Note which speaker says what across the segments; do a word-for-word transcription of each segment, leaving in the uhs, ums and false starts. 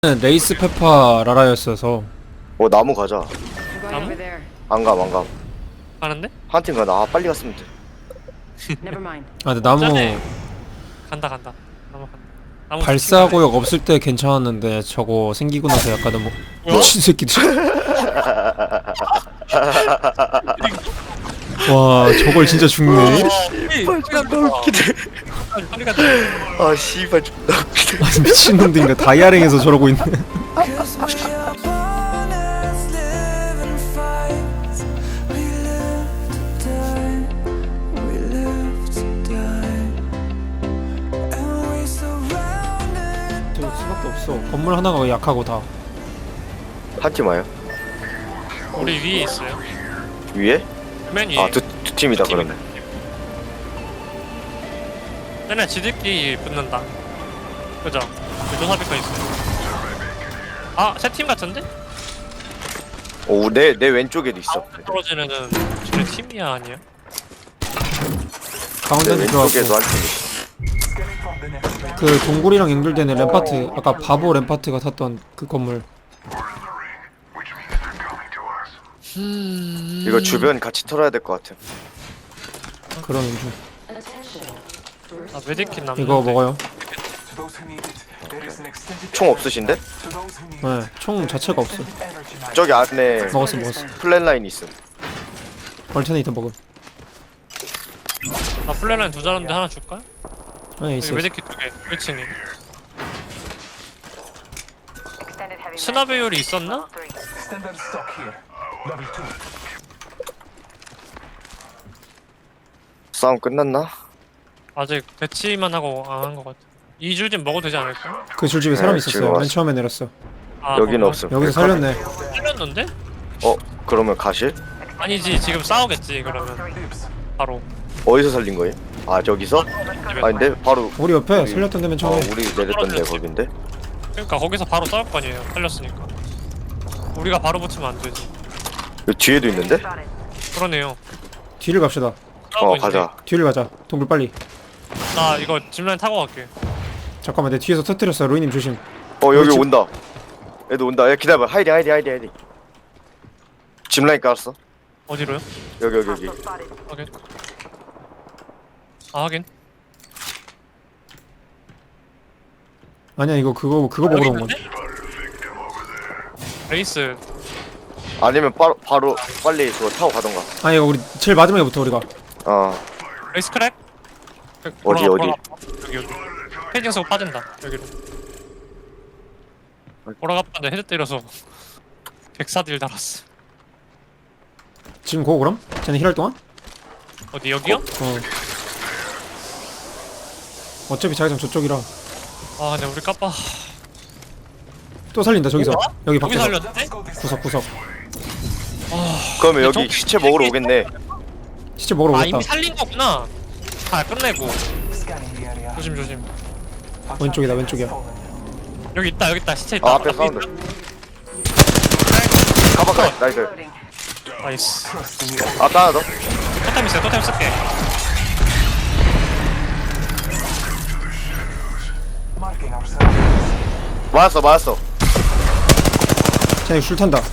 Speaker 1: 레이스 페파 라라였어서.
Speaker 2: 어 나무 가자.
Speaker 3: 나무?
Speaker 2: 안감 안감.
Speaker 3: 가는데?
Speaker 2: 한 팀 가나. 아 빨리 갔으면 돼.
Speaker 1: 아 근데 나무
Speaker 3: 짜네. 간다 간다. 나무 간다. 나무
Speaker 1: 발사구역 없을 때 괜찮았는데 저거 생기고 나서 약간 너무
Speaker 3: 뭐야?
Speaker 1: 미친 새끼들. 와 저걸 진짜 죽네.
Speaker 2: 씨발 존나 웃기네.
Speaker 3: 빨리 간다.
Speaker 2: 아 씨발 존나 웃기네.
Speaker 1: 아니 미친놈들인가 다이아랭에서 저러고 있네. 저 수밖에 없어. 건물 하나가 약하고 다.
Speaker 2: 한 팀 와요?
Speaker 3: 우리 위에 있어요.
Speaker 2: 위에?
Speaker 3: 맨 위에.
Speaker 2: 아두 두 팀이다 그러면.
Speaker 3: 맨날 지들끼리 붙는다. 그죠? 조사비가 있어요. 아, 세 팀 같은데?
Speaker 2: 오내내 왼쪽에도 있어.
Speaker 3: 떨어지는 저희 팀이야 아니야?
Speaker 2: 내
Speaker 1: 가운데는
Speaker 2: 왼쪽에도
Speaker 1: 들어왔고
Speaker 2: 한 팀 있어.
Speaker 1: 그 동굴이랑 연결되는 램파트 아까 바보 램파트가 탔던 그 건물.
Speaker 2: 이거 주변 같이 털어야 될 것 같아.
Speaker 1: 그런 중.
Speaker 3: 아, 메디킷 남는.
Speaker 1: 이거 먹어요.
Speaker 2: 총 없으신데?
Speaker 1: 네, 총 자체가 없어.
Speaker 2: 저기 안에
Speaker 1: 먹었어 먹었어.
Speaker 2: 플랜 라인 있음.
Speaker 1: 얼터네이터 먹음.
Speaker 3: 아, 플랜라인 두 자른데 하나 줄까?
Speaker 1: 네
Speaker 3: 여기
Speaker 1: 있어.
Speaker 3: 메디킷 두 개. 일 층에. 스나 배율이 있었나?
Speaker 2: 싸움 끝났나?
Speaker 3: 아직 배치만 하고 안 한 것 같아. 이 줄 좀 먹어도 되지 않을까?
Speaker 1: 그 줄집에 사람
Speaker 2: 네,
Speaker 1: 있었어요.
Speaker 2: 지금
Speaker 1: 맨
Speaker 2: 왔어.
Speaker 1: 처음에 내렸어.
Speaker 3: 아,
Speaker 2: 여기는
Speaker 3: 거기가?
Speaker 2: 없음.
Speaker 1: 여기서 살렸네.
Speaker 3: 살렸는데?
Speaker 2: 어 그러면 가실?
Speaker 3: 아니지, 지금 싸우겠지 그러면. 바로.
Speaker 2: 어디서 살린 거예요? 아 저기서? 아닌데 바로
Speaker 1: 우리 옆에
Speaker 2: 여기.
Speaker 1: 살렸던 데면
Speaker 2: 어
Speaker 1: 처음에.
Speaker 2: 우리 내렸던 데 거긴데.
Speaker 3: 그러니까 거기서 바로 싸울 거 아니에요. 살렸으니까. 우리가 바로 붙으면 안 되지.
Speaker 2: 여기 뒤에도 있는데?
Speaker 3: 그러네요.
Speaker 1: 뒤를 갑시다.
Speaker 3: 싸우고
Speaker 2: 어
Speaker 3: 있네.
Speaker 2: 가자.
Speaker 1: 뒤를 가자. 동굴 빨리.
Speaker 3: 나 이거 짚라인 타고 갈게.
Speaker 1: 잠깐만 내 뒤에서 터뜨렸어. 로이님 조심.
Speaker 2: 어 여기
Speaker 1: 그렇지.
Speaker 2: 온다. 애도 온다. 야 기다려봐. 하이디 하이디 하이디 하이디. 짚라인 깔았어.
Speaker 3: 어디로요?
Speaker 2: 여기 여기 여기.
Speaker 3: 확인. 아 하긴.
Speaker 1: 아니야 이거 그거 그거
Speaker 3: 여기
Speaker 1: 먹으러 온 건.
Speaker 3: 있는데? 레이스.
Speaker 2: 아니면 바로 바로 빨리 그거 타고 가던가.
Speaker 1: 아니 이거 우리 제일 마지막에부터 우리가.
Speaker 2: 어
Speaker 3: 레이스 크랙?
Speaker 2: 어디,
Speaker 3: 돌아가,
Speaker 2: 어디?
Speaker 3: 돌아가. 여기 여기. 헤딩 쓰고 빠진다. 여기로. 돌아가 봤는데 헤드 때려서 백사딜 달았어.
Speaker 1: 지금 고 그럼? 쟤네 힐할 동안?
Speaker 3: 어디 여기요?
Speaker 1: 어. 어차피 자기장 저쪽이라.
Speaker 3: 아 근데 우리 까빠.
Speaker 1: 또 살린다 저기서.
Speaker 3: 뭐야?
Speaker 1: 여기
Speaker 3: 여기
Speaker 1: 밖에서.
Speaker 3: 살렸는데?
Speaker 1: 구석 구석.
Speaker 2: 그러면 여기
Speaker 3: 저-
Speaker 2: 시체 먹으러 오겠네.
Speaker 1: 시체 먹으러
Speaker 3: 아
Speaker 1: 오겠다.
Speaker 3: 이미 살린 거구나. 다 끝내고. 조심 조심.
Speaker 1: 왼쪽이다 왼쪽이야.
Speaker 3: 여기 있다 여기 있다 시체 있다.
Speaker 2: 아 앞에 사운드. 가봐 가. 나이스.
Speaker 3: 나이스.
Speaker 2: 앞에 하나 더.
Speaker 3: 토템 있어요. 토템 쓸게.
Speaker 2: 맞았어 맞았어.
Speaker 1: 쟤네 줄 탄다.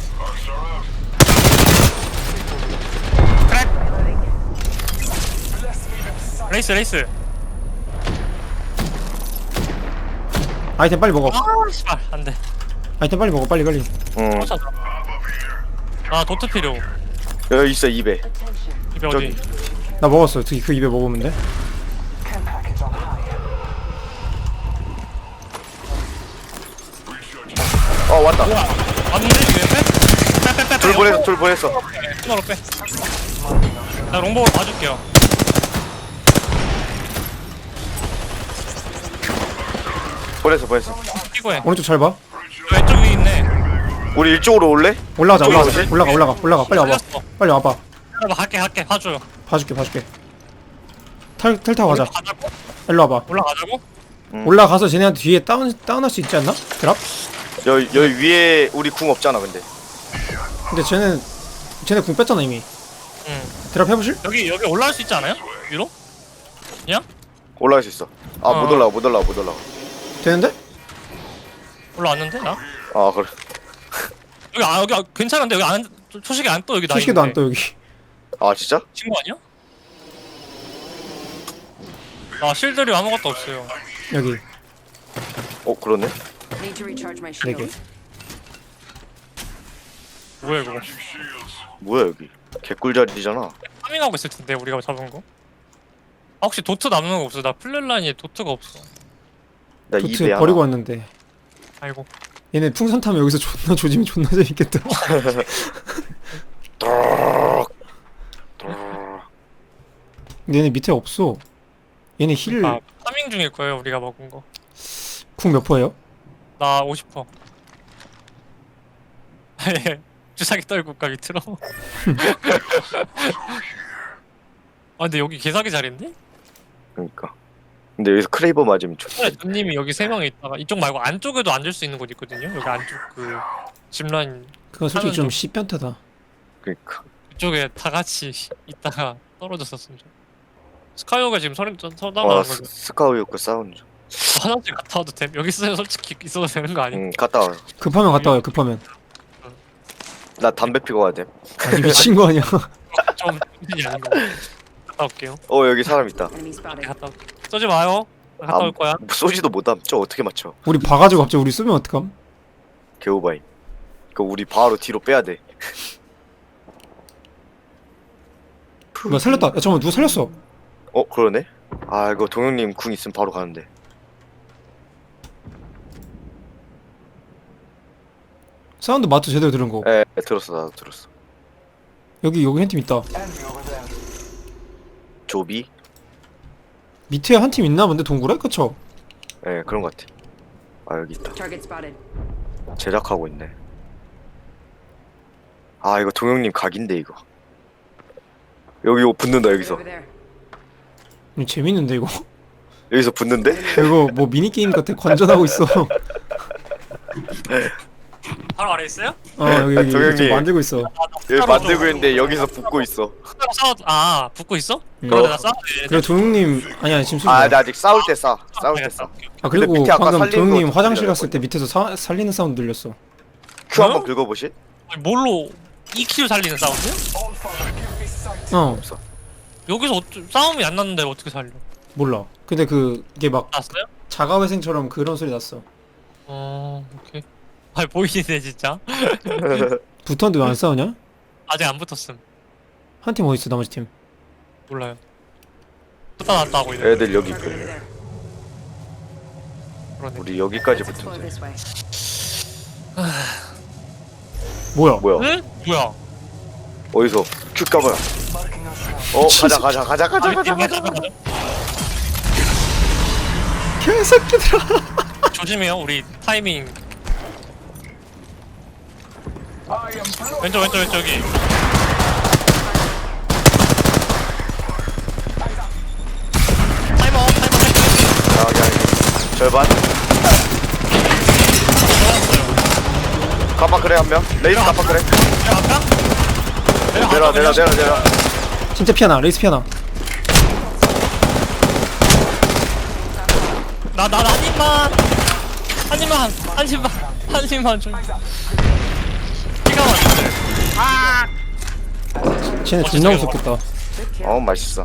Speaker 3: 크랙. 레이스 레이스.
Speaker 1: 아이템 빨리 먹어.
Speaker 3: 아 씨발 안돼.
Speaker 1: 아이템 빨리 먹어 빨리 빨리.
Speaker 2: 응.
Speaker 3: 아 도트 필요.
Speaker 2: 여기 있어 입에.
Speaker 3: 이게
Speaker 2: 저기.
Speaker 3: 어디?
Speaker 1: 나 먹었어. 그, 그 입에 먹으면 돼.
Speaker 2: 어 왔다.
Speaker 3: 뭐야? 왔는데 이게 빼? 빼빼빼.
Speaker 2: 둘 보냈어 둘 보냈어.
Speaker 3: 투마로 빼. 나 롱보로 봐줄게요.
Speaker 2: 보냈어 보냈어.
Speaker 3: 끼고 해.
Speaker 1: 오른쪽 잘 봐.
Speaker 3: 왼쪽 위에 있네.
Speaker 2: 우리 이쪽으로 올래?
Speaker 1: 올라가자
Speaker 2: 저기
Speaker 1: 올라가자.
Speaker 2: 어디?
Speaker 1: 올라가 올라가 올라가 빨리 와봐.
Speaker 3: 살렸어.
Speaker 1: 빨리 와봐.
Speaker 3: 봐 갈게 갈게 봐줘요.
Speaker 1: 봐줄게 봐줄게. 탈 탈 타고 가자.
Speaker 3: 올라가자고?
Speaker 1: 일로 와봐.
Speaker 3: 올라가자고?
Speaker 2: 음.
Speaker 1: 올라가서 쟤네한테 뒤에 다운 다운할 수 있지 않나? 드랍?
Speaker 2: 여기 여기 위에 우리 궁 없잖아 근데.
Speaker 1: 근데 쟤는 쟤네 궁 뺐잖아 이미.
Speaker 3: 응.
Speaker 1: 드랍 해보실?
Speaker 3: 여기 여기 올라갈 수 있지 않아요? 위로? 그냥?
Speaker 2: 올라갈 수 있어. 아 못
Speaker 3: 어.
Speaker 2: 올라가 못 올라가 못 올라가.
Speaker 1: 되는데?
Speaker 3: 올라왔는데 나?
Speaker 2: 아 그래.
Speaker 3: 여기 아 여기 아, 괜찮은데 여기 안 초식이 안 떠 여기 나
Speaker 1: 초식에도 안
Speaker 3: 있는데.
Speaker 1: 떠 여기.
Speaker 2: 아 진짜?
Speaker 3: 친구 아니야? 아 실들이 아무것도 없어요.
Speaker 1: 여기
Speaker 2: 어 그러네.
Speaker 4: Need to recharge my
Speaker 1: 네 개.
Speaker 4: shield.
Speaker 3: 뭐야 이거?
Speaker 2: 뭐야 여기? 개꿀자리잖아.
Speaker 3: 파밍하고 있을 텐데 우리가 잡은 거. 아, 혹시 도트 남는 거 없어? 나 플랫라인에 도트가 없어.
Speaker 2: 나
Speaker 1: 도트
Speaker 2: 입에 하나.
Speaker 1: 버리고 왔는데.
Speaker 3: 아이고.
Speaker 1: 얘네 풍선 타면 여기서 존나 조지면 존나 재밌겠다. 근데 얘네 밑에 없어. 얘네 힐
Speaker 3: 아 파밍 중일 거예요 우리가 먹은 거.
Speaker 1: 쿵 몇 퍼예요?
Speaker 3: 나 오십 퍼. 예. 주사기 떨굴까 밑으로. 아 근데 여기 개사기 자리인데?
Speaker 2: 그러니까. 근데 여기서 크레이버 맞으면
Speaker 3: 차라리
Speaker 2: 좋지.
Speaker 3: 님이 여기 세 명이 있다가 이쪽 말고 안쪽에도 앉을 수 있는 곳 있거든요. 여기 안쪽 그 짚라인
Speaker 1: 그건 솔직히
Speaker 3: 하면
Speaker 1: 좀
Speaker 3: 좀-
Speaker 1: 씨변태다.
Speaker 2: 그러니까.
Speaker 3: 이쪽에 다 같이 있다가 떨어졌었으면 좋. 스카이오가 지금 서린
Speaker 2: 어
Speaker 3: 서다가
Speaker 2: 스, 스카우요크 사운드 중.
Speaker 3: 화장실 갔다 와도 됨? 여기 있으면 솔직히 있어도 되는 거 아니야?
Speaker 2: 응 갔다 와.
Speaker 1: 급하면 갔다 와요. 급하면.
Speaker 2: 나 담배 피고 와야 돼.
Speaker 1: 아니 미친 거 아니야?
Speaker 3: 좀 힘들지 않은 거. 갔다 올게요.
Speaker 2: 어 여기 사람 있다.
Speaker 4: Enemy spotted.
Speaker 3: 갔다 올게. 쏘지 마요. 나 갔다
Speaker 2: 아,
Speaker 3: 올 거야.
Speaker 2: 쏘지도 못함. 저 어떻게 맞춰?
Speaker 1: 우리 봐가지고 갑자기 우리 쏘면 어떡함?
Speaker 2: 개오바이. 그 우리 바로 뒤로 빼야 돼.
Speaker 1: 누가 살렸다. 야 잠깐만 누가 살렸어?
Speaker 2: 어 그러네. 아 이거 동영님 궁 있으면 바로 가는데.
Speaker 1: 사운드 마트 제대로 들은 거.
Speaker 2: 에 들었어 나도 들었어.
Speaker 1: 여기 여기 한 팀 있다.
Speaker 2: 조비.
Speaker 1: 밑에 한 팀 있나 본데 동굴에? 그쵸?
Speaker 2: 예 그런 것 같아. 아 여기 있다.
Speaker 4: Target spotted.
Speaker 2: 제작하고 있네. 아 이거 동영님 각인데 이거. 여기 이거 붙는다 여기서.
Speaker 4: Over there.
Speaker 1: 이거 재밌는데 이거?
Speaker 2: 여기서 붙는데?
Speaker 1: 이거 뭐 미니게임 같아. 관전하고 있어.
Speaker 3: 바로 아래 있어요?
Speaker 1: 어 여기 여기
Speaker 2: 동영님.
Speaker 1: 지금 만들고 있어.
Speaker 2: 여기 만들고 있는데 여기서 붙고 있어.
Speaker 3: 싸워. 아 붙고 있어?
Speaker 1: 음.
Speaker 3: 그러다 나 싸워.
Speaker 1: 그리고 도영님 아니 아니 지금
Speaker 2: 아
Speaker 1: 쏘지
Speaker 2: 나 아직 싸울 때 싸. 싸울 때 싸.
Speaker 1: 아 그리고
Speaker 2: 근데 밑에 아까
Speaker 1: 방금
Speaker 2: 살리는
Speaker 1: 도영님
Speaker 2: 거
Speaker 1: 화장실
Speaker 2: 들리잖아.
Speaker 1: 갔을 때 밑에서 사, 살리는 사운드 들렸어.
Speaker 2: 큐 한번
Speaker 3: 어?
Speaker 2: 긁어보실?
Speaker 3: 아니, 뭘로 이 킬 살리는 사운드?
Speaker 1: 어
Speaker 3: 여기서 어쩌, 싸움이 안 났는데 어떻게 살려?
Speaker 1: 몰라. 근데 그 이게 막
Speaker 3: 났어요?
Speaker 1: 자가회생처럼 그런 소리 났어.
Speaker 3: 어 오케이. 아 보이네 진짜.
Speaker 1: 붙었는데 왜 안 싸우냐?
Speaker 3: 아직 안 붙었음.
Speaker 1: 한 팀 어디 있어 나머지 팀?
Speaker 3: 몰라요. 붙다 놨다 하고 있네.
Speaker 2: 애들 여기
Speaker 4: Target over
Speaker 2: 있거든.
Speaker 4: there.
Speaker 3: 그러네.
Speaker 2: 우리 여기까지
Speaker 4: Let's explore
Speaker 2: 붙으면 돼.
Speaker 4: this way.
Speaker 1: 뭐야?
Speaker 2: 뭐야?
Speaker 3: 응? 뭐야?
Speaker 2: 어디서? 큐 까봐요. 어 가자 가자 가자 가자 가자 가자.
Speaker 1: 개새끼들아.
Speaker 3: 조심해요. 우리 타이밍. 왼쪽 왼쪽 왼쪽이. 타이머 타이머 타이머.
Speaker 2: 여기 여기. 절반.
Speaker 3: 들어왔어요.
Speaker 2: 가파 그래 한 명. 레이스 가파 그래.
Speaker 3: 내려갈까?
Speaker 2: 내려 내려 내려 내려.
Speaker 1: 진짜 피하나 레이스 피하나.
Speaker 3: 나나 한 입만 한 입만 한 입만 한 입만 좀. 피가 왔는데. 아.
Speaker 1: 쟤네
Speaker 3: 어,
Speaker 1: 존나
Speaker 3: 저기
Speaker 1: 무섭겠다.
Speaker 4: Good kill.
Speaker 2: 어 맛있어.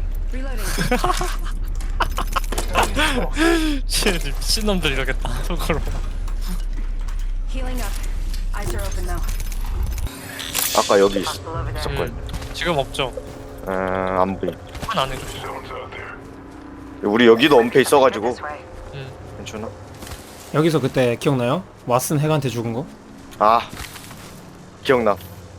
Speaker 4: Reloading.
Speaker 3: 쟤 미친놈들 이러겠다. 속으로.
Speaker 4: Healing up. Eyes are open though.
Speaker 2: 아까 여기 있,
Speaker 4: Hostile over there.
Speaker 2: 있었거든.
Speaker 3: 음, 지금 없죠.
Speaker 2: 음안 보임.
Speaker 3: 한 안에 조심.
Speaker 2: 우리 여기도 엄폐 있어가지고
Speaker 4: This way.
Speaker 3: 음.
Speaker 2: 괜찮아.
Speaker 1: 여기서 그때 기억나요? 왓슨 핵한테 죽은 거?
Speaker 2: 아 기억나.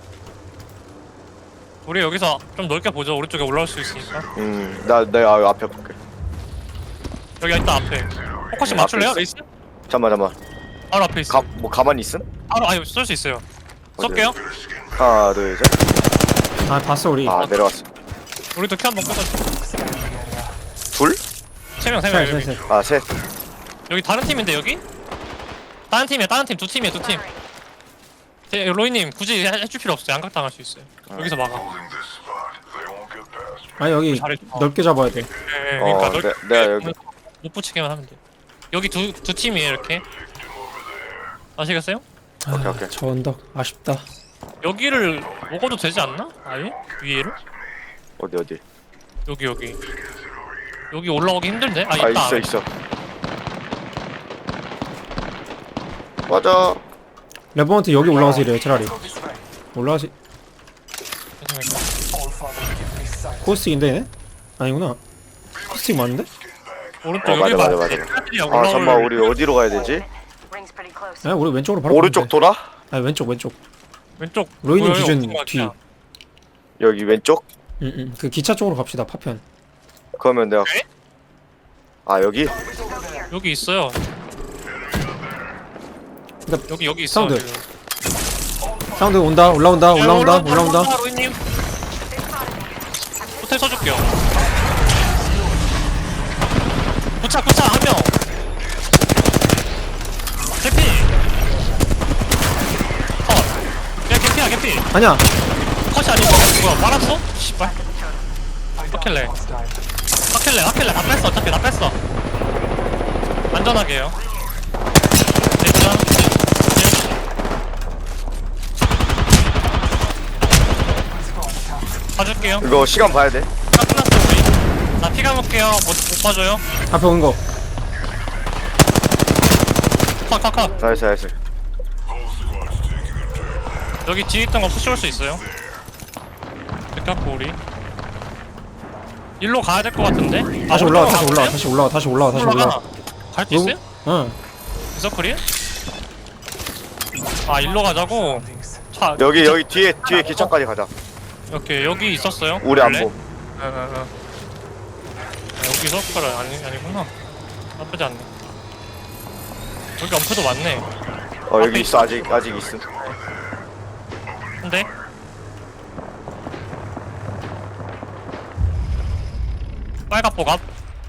Speaker 3: 우리 여기서 좀 넓게 보죠. 오른쪽에 올라올 수 있으니까.
Speaker 2: 음나 내가 앞에 볼게.
Speaker 3: 여기 있다 앞에. 포커싱
Speaker 2: 네,
Speaker 3: 맞출래요,
Speaker 2: 앞에
Speaker 3: 레이스?
Speaker 2: 잠만 잠만.
Speaker 3: 바로 앞에 있어.
Speaker 2: 가뭐 가만히 있음?
Speaker 3: 바로 아니 쏠 수 있어요. 쏠게요.
Speaker 2: 하나 둘 셋.
Speaker 1: 아 봤어 우리.
Speaker 2: 아 내려왔어.
Speaker 3: 우리도 키 한번 끄자.
Speaker 2: 둘?
Speaker 3: 세 명, 세 명.
Speaker 1: 셋,
Speaker 3: 여기.
Speaker 1: 셋, 셋.
Speaker 2: 아 셋.
Speaker 3: 여기 다른 팀인데 여기? 다른 팀이야, 다른 팀, 두 팀이야, 두 팀. 제, 로이님 굳이 해- 해줄 필요 없어요. 양각 당할 수 있어요. 여기서 막아.
Speaker 1: 아니 여기
Speaker 3: 잘해. 어.
Speaker 1: 넓게 잡아야 돼.
Speaker 3: 예, 예,
Speaker 2: 어,
Speaker 3: 그러니까
Speaker 2: 내-
Speaker 3: 넓게
Speaker 2: 내가 여기-
Speaker 3: 못 붙이게만 하면 돼. 여기 두 두 팀이에요, 이렇게. 아시겠어요?
Speaker 2: 오케이, 오케이.
Speaker 1: 저 언덕 아쉽다.
Speaker 3: 여기를 먹어도 되지 않나? 아예? 위에를?
Speaker 2: 어디 어디?
Speaker 3: 여기 여기 여기 올라오기 힘든데? 아
Speaker 2: 아
Speaker 3: 있다.
Speaker 2: 있어 있어. 맞아.
Speaker 1: 레버넌트 여기 올라가서 이래요 차라리. 올라가시. 코스틱인데 얘네? 아니구나. 코스틱 맞는데?
Speaker 3: 오른쪽
Speaker 2: 어,
Speaker 3: 여기
Speaker 2: 맞아,
Speaker 3: 봐.
Speaker 2: 맞아, 맞아.
Speaker 3: 애들이야,
Speaker 2: 아
Speaker 3: 올라올-
Speaker 2: 잠깐만 우리 어디로 가야 되지?
Speaker 4: Rings pretty close.
Speaker 1: 아 우리 왼쪽으로 바로
Speaker 2: 오른쪽
Speaker 1: 가면 돼.
Speaker 2: 돌아?
Speaker 1: 아니 왼쪽 왼쪽.
Speaker 3: 왼쪽
Speaker 1: 로이님
Speaker 3: 보여요?
Speaker 1: 기준
Speaker 3: 없는 것
Speaker 1: 뒤.
Speaker 3: 같아.
Speaker 2: 여기 왼쪽?
Speaker 1: 응응. 그 기차 쪽으로 갑시다 파편.
Speaker 2: 그러면 내가
Speaker 3: 네?
Speaker 2: 아 여기?
Speaker 3: 여기 있어요.
Speaker 1: 그러니까
Speaker 3: 여기 여기 있어.
Speaker 1: 사운드. 사운드 온다 올라온다 올라온다 올라온다.
Speaker 3: 로이님. 호텔 써줄게요. 구차 구차 한 명. 개피. 컷. 야 개피야 개피.
Speaker 1: 아니야.
Speaker 3: 컷이 아니고 뭐야 말았어? 씨발. 하켈레. 하켈레 하켈레 다 뺐어 어차피 다 뺐어. 안전하게 해요. 됐죠? 봐줄게요.
Speaker 2: 이거 시간 봐야 돼.
Speaker 3: 나 끝났어 우리. 나 피가 먹게요. 못, 못 봐줘요.
Speaker 1: 앞에 온 거.
Speaker 3: 컷컷컷.
Speaker 2: 나이스 나이스.
Speaker 3: 여기 뒤에 있던 거 푸시올 수 있어요. 이렇게 갖고 우리 일로 가야 될 것 같은데?
Speaker 1: 다시
Speaker 3: 아,
Speaker 1: 올라와
Speaker 3: 올라가,
Speaker 1: 다시 올라와
Speaker 3: 가보세요?
Speaker 1: 다시 올라와 다시 올라와 다시 올라와.
Speaker 3: 갈 수 있어요?
Speaker 1: 응.
Speaker 3: 서클이? 아 일로 가자고? 차
Speaker 2: 여기 여기 뒤에 뒤에 기차까지 가자.
Speaker 3: 이렇게 여기 있었어요?
Speaker 2: 우리 안
Speaker 3: 원래?
Speaker 2: 보.
Speaker 3: 응, 응, 응. 아, 여기 서클 아니, 아니구나. 나쁘지 않네. 여기 엄프도 많네.
Speaker 2: 어 여기 있어 아직 아직 있음.
Speaker 3: 근데? 빨갛복 앞.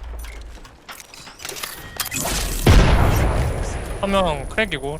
Speaker 3: 한 명 크랙이고.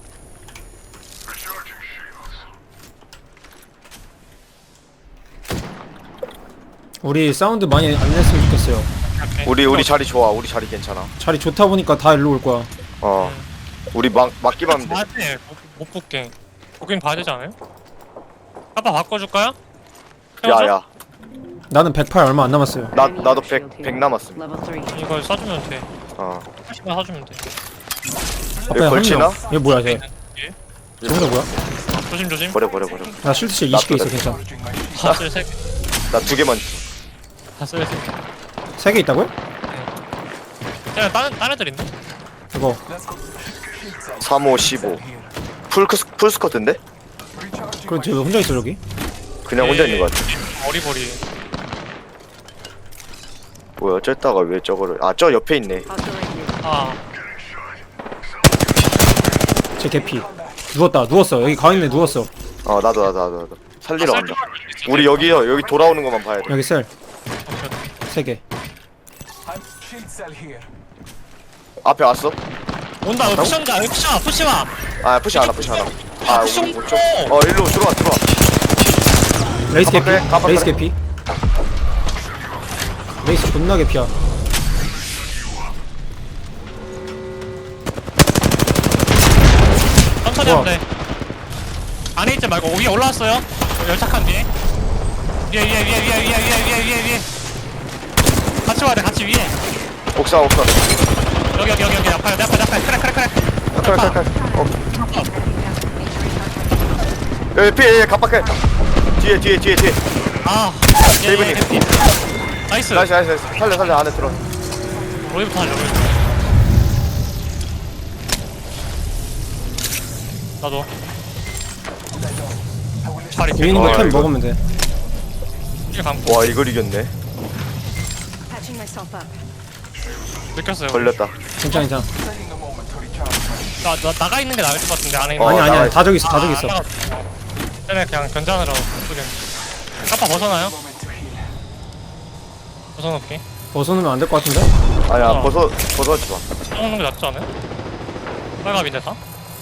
Speaker 1: 우리 사운드 많이 안 냈으면 좋겠어요.
Speaker 3: 오케이.
Speaker 2: 우리 우리 자리 좋아. 우리 자리 괜찮아.
Speaker 1: 자리 좋다 보니까 다 일로 올 거야.
Speaker 2: 어. 우리 막 막기만 하면 돼.
Speaker 3: 봐야 돼. 못, 못 볼게. 보긴 봐야 되지 않아요? 아빠 바꿔줄까요? 태워줘?
Speaker 2: 야야.
Speaker 1: 나는 백팔 얼마 안 남았어요.
Speaker 2: 나 나도 백 백 남았음.
Speaker 4: Level three.
Speaker 3: 이걸 써주면 돼.
Speaker 2: 어.
Speaker 3: 팔십만 사주면 돼.
Speaker 1: 앞에
Speaker 2: 여기
Speaker 1: 한
Speaker 2: 걸치나?
Speaker 1: 명. 얘 뭐야 쟤?
Speaker 3: 예?
Speaker 1: 저거다 뭐야?
Speaker 3: 조심 조심.
Speaker 2: 버려 버려 버려.
Speaker 1: 나 실드실 이십 개 있어 괜찮아.
Speaker 3: 다쓸 세.
Speaker 2: 나 두 개만.
Speaker 3: 다쓸 세.
Speaker 1: 세 개 있다고요?
Speaker 3: 그냥 다른 다른 애들 있네.
Speaker 1: 이거
Speaker 2: 삼오 십오. 풀 크스 풀 스커트인데?
Speaker 1: 그럼 쟤 왜 혼자 있어 저기?
Speaker 2: 그냥 혼자 있는 것 같아.
Speaker 3: 어리버리.
Speaker 2: 뭐야 어쨌다가 왜 저거를 아 저 옆에 있네.
Speaker 4: Hostile radio.
Speaker 3: 아
Speaker 1: 쟤 개피. 누웠다 누웠어 여기 가운데 누웠어.
Speaker 2: 어 나도 나도 나도 나도 살리러
Speaker 3: 아,
Speaker 2: 간다.
Speaker 3: 셀-
Speaker 2: 우리 여기요 여기 돌아오는 것만 봐야 돼.
Speaker 1: 여기 셀
Speaker 3: 오케이.
Speaker 1: 세 개.
Speaker 2: 앞에 왔어?
Speaker 3: 온다. 여기 푸시온다. 여기 푸시마 푸시마.
Speaker 2: 아 푸시 하나 푸시 하나. 아
Speaker 3: 푸시
Speaker 2: 우리 못 줘.
Speaker 3: 없어.
Speaker 2: 어 일로 들어와 들어와.
Speaker 1: 레이스 개피.
Speaker 2: 깜빡해, 깜빡해.
Speaker 1: 레이스 개피. 레이스 존나 개피야.
Speaker 3: 천천히
Speaker 1: 우와.
Speaker 3: 하면 돼. 안에 있지 말고 위에 올라왔어요. 열착한 뒤에. 위에 위에 위에 위에 위에 위에 위에 위에 위에. 같이 와야 돼. 같이 위에.
Speaker 2: 옥상 옥상.
Speaker 3: 여기 여기 여기 여기 앞에 내 앞에 내 앞에 크랙 크랙 크랙.
Speaker 2: 칼 칼 칼. 어. 여기 피 예, 갑박해. 뒤에 뒤에 뒤에 뒤에.
Speaker 3: 아. 예, 예,
Speaker 2: 세이브님.
Speaker 3: 해피. 나이스.
Speaker 2: 나이스 나이스 나이스. 살려 살려 안에 들어.
Speaker 3: 로이부터 하려 로이. 나도. 자리
Speaker 1: 위에 있는
Speaker 2: 어,
Speaker 1: 거템
Speaker 2: 이거.
Speaker 1: 먹으면 돼.
Speaker 3: 길 감고
Speaker 2: 와 이걸 이겼네.
Speaker 4: Patching myself up.
Speaker 3: 느꼈어요.
Speaker 2: 걸렸다.
Speaker 1: 괜찮아 괜찮아.
Speaker 3: 나, 나 나가 있는 게 나을 것 같은데 안에 있는.
Speaker 2: 어,
Speaker 1: 아니
Speaker 2: 나가
Speaker 1: 아니야
Speaker 2: 있어.
Speaker 1: 다 저기 있어 다 저기 있어.
Speaker 3: 쟤네 그냥 견장으로 예쁘게. 까빠 벗어나요? 벗어놓을게.
Speaker 1: 벗어놓으면 안 될 것 같은데?
Speaker 2: 아니야
Speaker 3: 어.
Speaker 2: 벗어 벗어지 마.
Speaker 3: 떠먹는 게 낫지 않아요? 빨갑인데 다?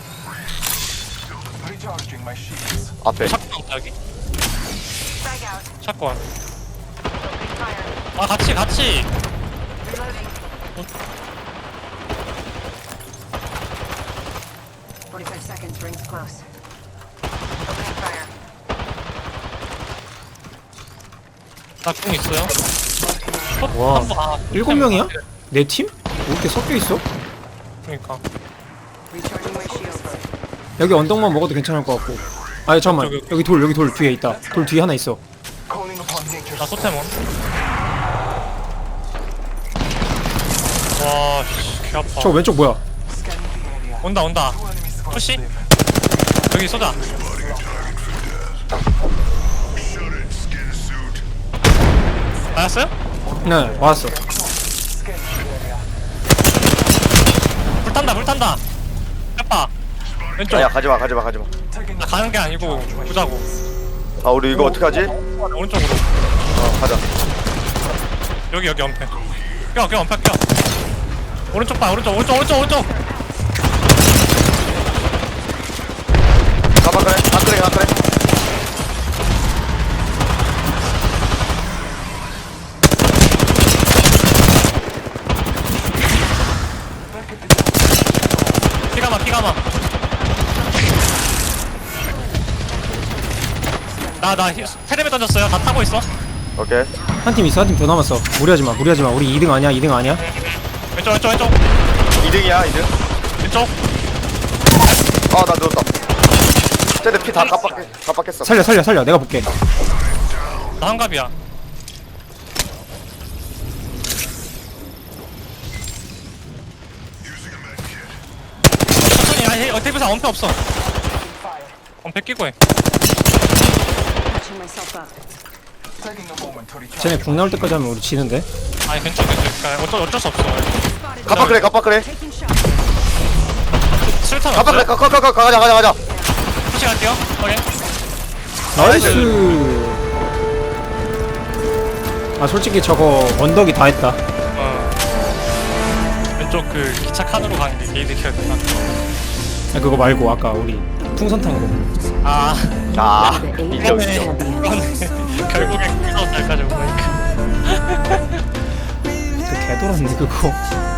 Speaker 2: 앞에.
Speaker 3: 샷건 없다 여기?
Speaker 4: Frag out.
Speaker 3: 샷건.
Speaker 4: Fire.
Speaker 3: 아 같이 같이.
Speaker 4: Reloading. forty-five seconds. Rings close. Opening fire.
Speaker 3: 나궁 있어요.
Speaker 1: 와.
Speaker 3: 한 번, 아,
Speaker 1: 일곱 명이야? 내 팀? 왜 이렇게 섞여 있어?
Speaker 3: 그러니까.
Speaker 4: Recharging my shields.
Speaker 1: 여기 언덕만 먹어도 괜찮을 것 같고. 아 잠깐만.
Speaker 3: 저기-
Speaker 1: 여기 돌 여기 돌 뒤에 있다. 돌 뒤에 하나 있어.
Speaker 3: 나 소템원. 와, 씨, 개 아파.
Speaker 1: 저 왼쪽 뭐야?
Speaker 3: 온다, 온다. 푸시? 여기 쏘자. 맞았어요?
Speaker 1: 네 맞았어.
Speaker 3: 불 탄다, 불 탄다. 해봐. 왼쪽.
Speaker 2: 아야 가지마 가지마 가지마.
Speaker 3: 나 가는 게 아니고 보자고.
Speaker 2: 아 우리 이거 어떻게 하지?
Speaker 3: 오른쪽으로.
Speaker 2: 어 가자.
Speaker 3: 여기 여기 엄폐. 껴, 껴, 엄폐 껴. 오른쪽 봐, 오른쪽, 오른쪽, 오른쪽, 오른쪽.
Speaker 2: 가봐 그래 가 그래 가 그래.
Speaker 3: 피가 마, 피가 마. 나, 나 테레비 던졌어요. 다 타고 있어.
Speaker 2: 오케이.
Speaker 1: 한 팀 있어. 한 팀 더 남았어. 무리하지 마. 무리하지 마. 우리 이 등 아니야. 이 등 아니야.
Speaker 3: 왼쪽, 왼쪽, 왼쪽.
Speaker 2: 이 등이야 이 등.
Speaker 3: 왼쪽.
Speaker 2: 아나 누웠다. 쟤네 피다 깜빡 깜빡했어.
Speaker 1: 살려 살려 살려. 내가 볼게.
Speaker 3: 나 한갑이야. 천천히, 야, 어, 테이블상 엄폐 없어. 엄폐 끼고 해.
Speaker 4: Patching myself up.
Speaker 1: 쟤네 궁 나올 때까지 하면 우리 지는데.
Speaker 3: 아니, 괜찮, 괜찮. 그러니까 어쩔, 어쩔 수 없어.
Speaker 2: 깜빡 그래 깜빡 그래.
Speaker 4: Taking shots.
Speaker 3: 술탄
Speaker 2: 깜빡 그래
Speaker 3: 없어요?
Speaker 2: 가가가 가자 가자 가자.
Speaker 3: 푸시 갈게요. 오케이.
Speaker 1: 나이스. 아 솔직히 저거 언덕이 다 했다.
Speaker 3: 어. 왼쪽 그 기차 칸으로 가는 게 게이드 키어야 된다.
Speaker 1: 아, 그거 말고 아까 우리 풍선 탄 거.
Speaker 3: 아,
Speaker 2: 아 인정
Speaker 3: 그러네.
Speaker 2: 인정.
Speaker 3: 그러네. 결국엔 거기서 날까지 온 거니까.
Speaker 1: 그 개돌았는데 그거.